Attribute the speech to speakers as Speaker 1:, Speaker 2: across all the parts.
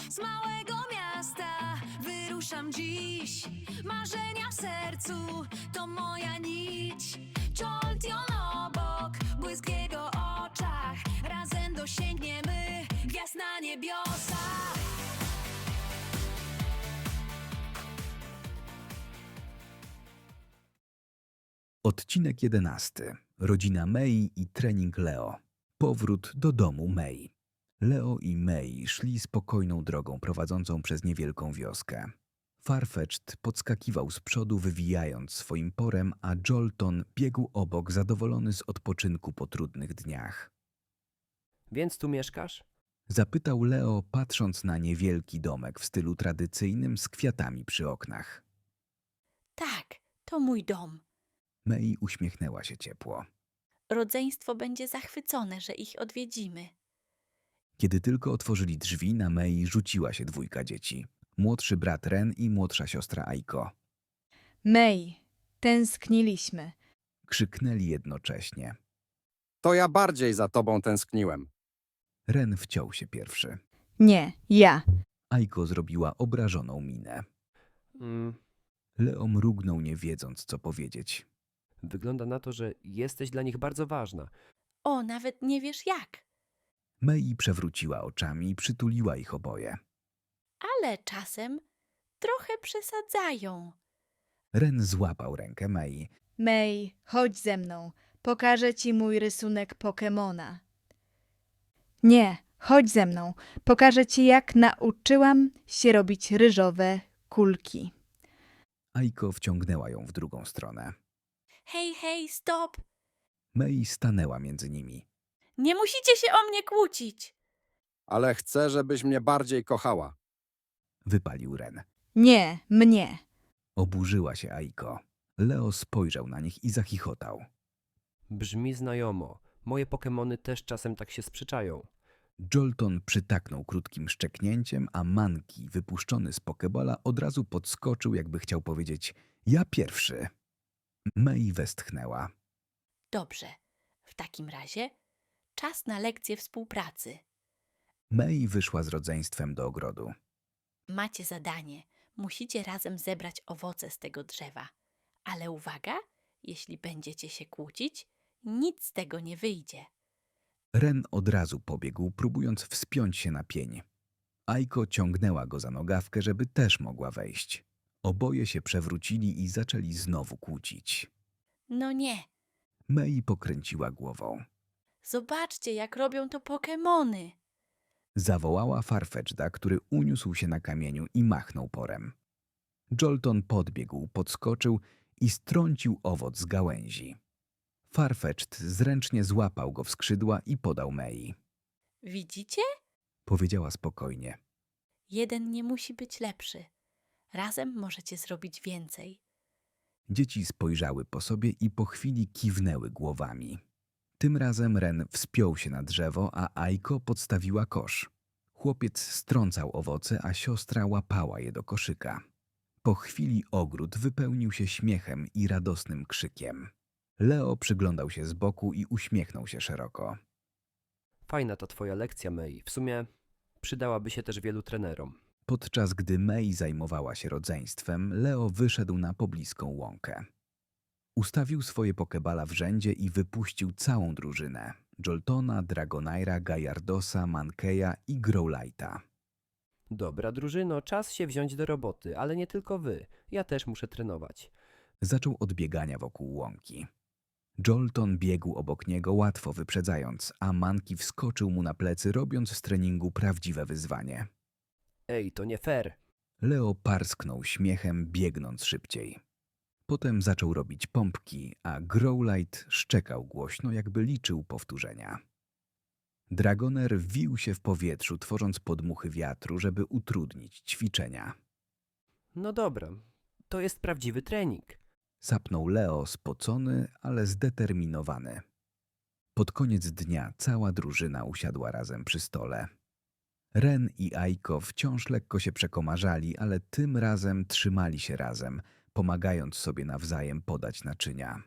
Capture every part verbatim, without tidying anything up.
Speaker 1: z małego miasta wyruszam dziś. Marzenia w sercu to moja nić. Joltion obok, błysk w jego oczach. Razem dosięgniemy gwiazd na niebiosach.
Speaker 2: Odcinek jedenasty. Rodzina Mei i trening Leo. Powrót do domu Mei. Leo i Mei szli spokojną drogą prowadzącą przez niewielką wioskę. Farfetch'd podskakiwał z przodu, wywijając swoim porem, a Jolton biegł obok, zadowolony z odpoczynku po trudnych dniach.
Speaker 3: Więc tu mieszkasz?
Speaker 2: Zapytał Leo, patrząc na niewielki domek w stylu tradycyjnym z kwiatami przy oknach.
Speaker 4: Tak, to mój dom.
Speaker 2: Mei uśmiechnęła się ciepło.
Speaker 4: Rodzeństwo będzie zachwycone, że ich odwiedzimy.
Speaker 2: Kiedy tylko otworzyli drzwi, na Mei rzuciła się dwójka dzieci. Młodszy brat Ren i młodsza siostra Aiko.
Speaker 5: Mei, tęskniliśmy.
Speaker 2: Krzyknęli jednocześnie.
Speaker 6: To ja bardziej za tobą tęskniłem.
Speaker 2: Ren wciął się pierwszy.
Speaker 5: Nie, ja.
Speaker 2: Aiko zrobiła obrażoną minę.
Speaker 3: Mm,
Speaker 2: Leo mrugnął, nie wiedząc, co powiedzieć.
Speaker 3: wygląda na to, że jesteś dla nich bardzo ważna.
Speaker 4: O, nawet nie wiesz jak.
Speaker 2: Mei przewróciła oczami i przytuliła ich oboje.
Speaker 4: Ale czasem trochę przesadzają.
Speaker 2: Ren złapał rękę Mei.
Speaker 5: Mei, chodź ze mną. Pokażę ci mój rysunek Pokemona. Nie, chodź ze mną. Pokażę ci, jak nauczyłam się robić ryżowe kulki.
Speaker 2: Aiko wciągnęła ją w drugą stronę.
Speaker 4: Hej, hej, stop!
Speaker 2: Mei stanęła między nimi.
Speaker 4: Nie musicie się o mnie kłócić.
Speaker 6: Ale chcę, żebyś mnie bardziej kochała.
Speaker 2: Wypalił Ren.
Speaker 5: Nie, mnie.
Speaker 2: Oburzyła się Aiko. Leo spojrzał na nich i zachichotał.
Speaker 3: Brzmi znajomo. Moje Pokemony też czasem tak się sprzeczają.
Speaker 2: Jolton przytaknął krótkim szczeknięciem, a Monkey, wypuszczony z Pokebola, od razu podskoczył, jakby chciał powiedzieć – ja pierwszy. Mei westchnęła.
Speaker 4: Dobrze, w takim razie czas na lekcję współpracy.
Speaker 2: Mei wyszła z rodzeństwem do ogrodu.
Speaker 4: Macie zadanie. Musicie razem zebrać owoce z tego drzewa. Ale uwaga, jeśli będziecie się kłócić, nic z tego nie wyjdzie.
Speaker 2: Ren od razu pobiegł, próbując wspiąć się na pień. Aiko ciągnęła go za nogawkę, żeby też mogła wejść. Oboje się przewrócili i zaczęli znowu kłócić.
Speaker 4: No nie,
Speaker 2: Mei pokręciła głową.
Speaker 4: zobaczcie, jak robią to Pokemony.
Speaker 2: Zawołała Farfetch'da, który uniósł się na kamieniu i machnął porem. Jolton podbiegł, podskoczył i strącił owoc z gałęzi. Farfetch'd zręcznie złapał go w skrzydła i podał Mei.
Speaker 4: Widzicie?
Speaker 2: Powiedziała spokojnie.
Speaker 4: Jeden nie musi być lepszy. Razem możecie zrobić więcej.
Speaker 2: Dzieci spojrzały po sobie i po chwili kiwnęły głowami. Tym razem Ren wspiął się na drzewo, a Aiko podstawiła kosz. Chłopiec strącał owoce, a siostra łapała je do koszyka. Po chwili ogród wypełnił się śmiechem i radosnym krzykiem. Leo przyglądał się z boku i uśmiechnął się szeroko.
Speaker 3: Fajna ta twoja lekcja, Mei. W sumie przydałaby się też wielu trenerom.
Speaker 2: Podczas gdy Mei zajmowała się rodzeństwem, Leo wyszedł na pobliską łąkę. Ustawił swoje pokebala w rzędzie i wypuścił całą drużynę. Joltona, Dragonaira, Gallardosa, Mankeya i Growlite'a.
Speaker 3: Dobra, drużyno, czas się wziąć do roboty, ale nie tylko wy. Ja też muszę trenować.
Speaker 2: Zaczął od biegania wokół łąki. Jolton biegł obok niego, łatwo wyprzedzając, a Monkey wskoczył mu na plecy, robiąc z treningu prawdziwe wyzwanie.
Speaker 3: Ej, to nie fair.
Speaker 2: Leo parsknął śmiechem, biegnąc szybciej. Potem zaczął robić pompki, a Growlite szczekał głośno, jakby liczył powtórzenia. Dragoner wił się w powietrzu, tworząc podmuchy wiatru, żeby utrudnić ćwiczenia.
Speaker 3: No dobra, to jest prawdziwy trening.
Speaker 2: Sapnął Leo, spocony, ale zdeterminowany. Pod koniec dnia cała drużyna usiadła razem przy stole. Ren i Aiko wciąż lekko się przekomarzali, ale tym razem trzymali się razem, pomagając sobie nawzajem podać naczynia.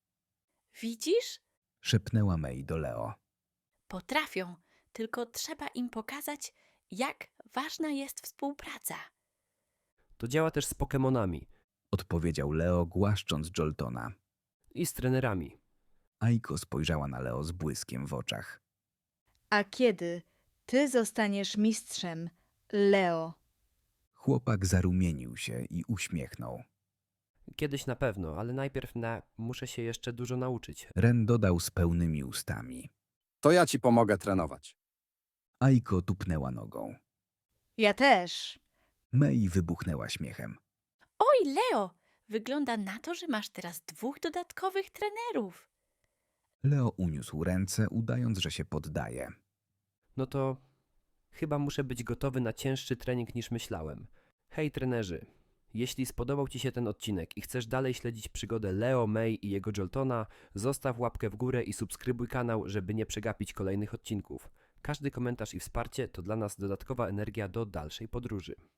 Speaker 4: Widzisz?
Speaker 2: Szepnęła Mei do Leo.
Speaker 4: Potrafią, tylko trzeba im pokazać, jak ważna jest współpraca.
Speaker 3: To działa też z Pokemonami
Speaker 2: Odpowiedział Leo, głaszcząc Joltona.
Speaker 3: i z trenerami.
Speaker 2: Aiko spojrzała na Leo z błyskiem w oczach.
Speaker 5: A kiedy ty zostaniesz mistrzem, Leo?
Speaker 2: Chłopak zarumienił się i uśmiechnął.
Speaker 3: Kiedyś na pewno, ale najpierw na... muszę się jeszcze dużo nauczyć.
Speaker 2: Ren dodał z pełnymi ustami.
Speaker 6: To ja ci pomogę trenować.
Speaker 2: Aiko tupnęła nogą.
Speaker 5: Ja też.
Speaker 2: Mei wybuchnęła śmiechem.
Speaker 4: Oj, Leo, wygląda na to, że masz teraz dwóch dodatkowych trenerów.
Speaker 2: Leo uniósł ręce, udając, że się poddaje.
Speaker 3: No to chyba muszę być gotowy na cięższy trening niż myślałem. Hej trenerzy, jeśli spodobał Ci się ten odcinek i chcesz dalej śledzić przygodę Leo, Mei i jego Joltona, zostaw łapkę w górę i subskrybuj kanał, żeby nie przegapić kolejnych odcinków. Każdy komentarz i wsparcie to dla nas dodatkowa energia do dalszej podróży.